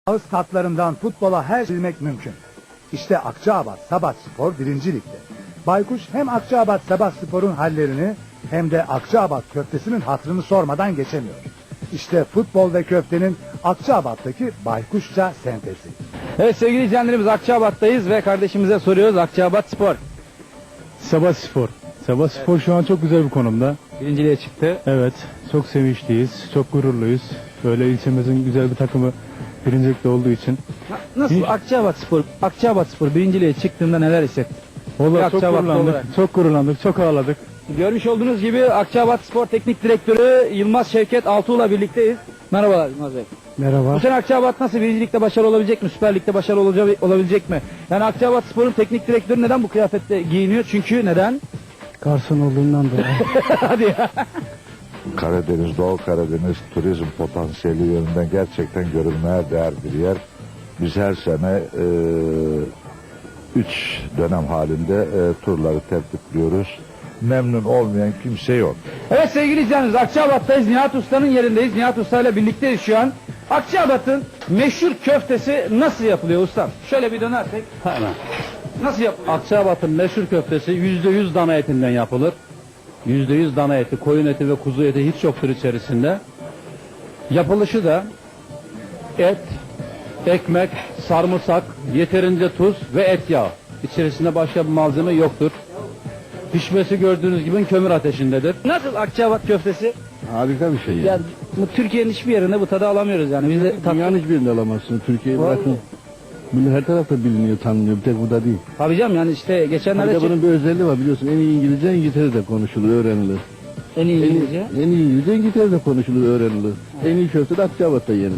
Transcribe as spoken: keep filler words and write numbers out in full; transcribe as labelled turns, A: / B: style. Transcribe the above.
A: Ağız tatlarından futbola her şey bilmek mümkün. İşte Akçaabat Sabatspor birinci Lig'de. Baykuş hem Akçaabat Sabatspor'un hallerini hem de Akçaabat köftesinin hatırını sormadan geçemiyor. İşte futbol ve köftenin Akçaabat'taki baykuşça sentezi.
B: Evet sevgili izleyenlerimiz, Akçaabat'tayız ve kardeşimize soruyoruz. Akçaabat Spor
C: Sabahspor. Sabahspor şu an çok güzel bir konumda.
B: birinciliğe çıktı.
C: Evet, çok sevinçliyiz, çok gururluyuz. Böyle ilçemizin güzel bir takımı birincilikte olduğu için.
B: Nasıl
C: Hiç-
B: Akçaabat Spor, Akçaabat Spor birinciliğe çıktığında neler hissettin?
C: Vallahi
B: Bir
C: çok
B: Akçaabatlı
C: gururlandık,
B: olarak.
C: çok gururlandık, çok ağladık.
B: Görmüş olduğunuz gibi Akçaabat Spor Teknik Direktörü Yılmaz Şevket Altuğ'la birlikteyiz. Merhabalar Yılmaz Bey.
C: Merhaba.
B: Bu sene Akçaabat nasıl, birincilikte başarılı olabilecek mi? Süper Lig'de başarılı olaca- olabilecek mi? Yani Akçaabat Spor'un teknik direktörü neden bu kıyafette giyiniyor? Çünkü neden?
C: Garson olduğundan dolayı.
B: Hadi ya.
D: Karadeniz, Doğu Karadeniz turizm potansiyeli yönünden gerçekten görülmeye değer bir yer. Biz her sene e, üç dönem halinde e, turları tertipliyoruz. Memnun olmayan kimse yok.
B: Evet sevgili izleyenlerimiz, Akçaabat'tayız. Nihat Usta'nın yerindeyiz. Nihat Usta ile birlikteyiz şu an. Akçaabat'ın meşhur köftesi nasıl yapılıyor ustam? Şöyle bir dönersek.
E: Hemen.
B: Nasıl yapılıyor?
E: Akçaabat'ın meşhur köftesi yüzde yüz dana etinden yapılır. Yüzde yüz dana eti, koyun eti ve kuzu eti hiç yoktur içerisinde. Yapılışı da et, ekmek, sarımsak, yeterince tuz ve et yağı. İçerisinde başka bir malzeme yoktur. Pişmesi gördüğünüz gibi kömür ateşindedir.
B: Nasıl Akçaabat köftesi?
E: Harika bir şey
B: Yani bu Türkiye'nin hiçbir yerinde bu tadı alamıyoruz yani. Biz de tat...
E: Dünyanın hiçbirinde alamazsın. Türkiye'yi bırakın. Bunu her tarafta biliniyor, tanınıyor. Bir tek burada değil.
B: Tabii canım, yani işte geçenlerde
E: Bir de
B: çık-
E: bunun bir özelliği var biliyorsun. En iyi İngilizce İngiltere'de konuşulur, öğrenilir.
B: en iyi
E: En iyi,
B: İngilizce.
E: en iyi İngilizce İngiltere'de konuşulur, öğrenilir. En iyi köfte de Akçaabat'ta yenir.